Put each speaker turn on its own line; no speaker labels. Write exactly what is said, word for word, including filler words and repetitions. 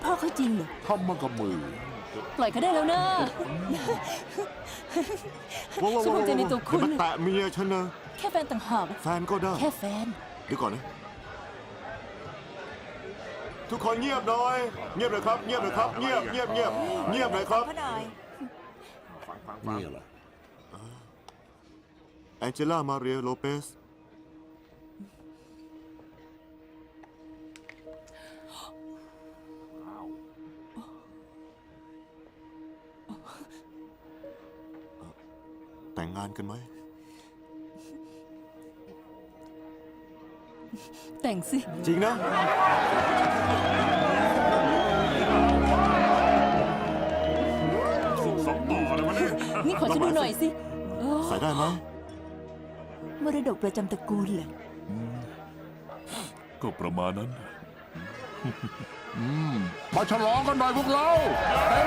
พ่อเขาจริงเหรอ
ทำมากับมือ
ปล่อยเขาได้แล้วนะ
ว้าวว้าว
ฉันภูมิใจในตัวคุณ
อย่ามาแตะเมียฉันนะ
แค่แฟนต่างหาก
แฟนก็ได้
แค่แฟน
เดี๋ยวก่อนนะ ทุกคนเงียบหน่อย เงียบเลยครับ เงียบเลยครับ เงียบเงียบเงียบเงียบเลยครับ
นี่เหรอ
แองเจล่า มาเรีย โลเปส แต่งงานกันไหม
แต่งสิ
จริงนะ
สองต่อเลยมันเนี่ย
นี่ขอฉันดูหน่อยสิโอ้
ใส่ได้ไหม
มรดกประจำตระกูลเหรอ
ก็ประมาณนั้น
อืม
มาฉลองกันหน่อยพวกเราเต็ม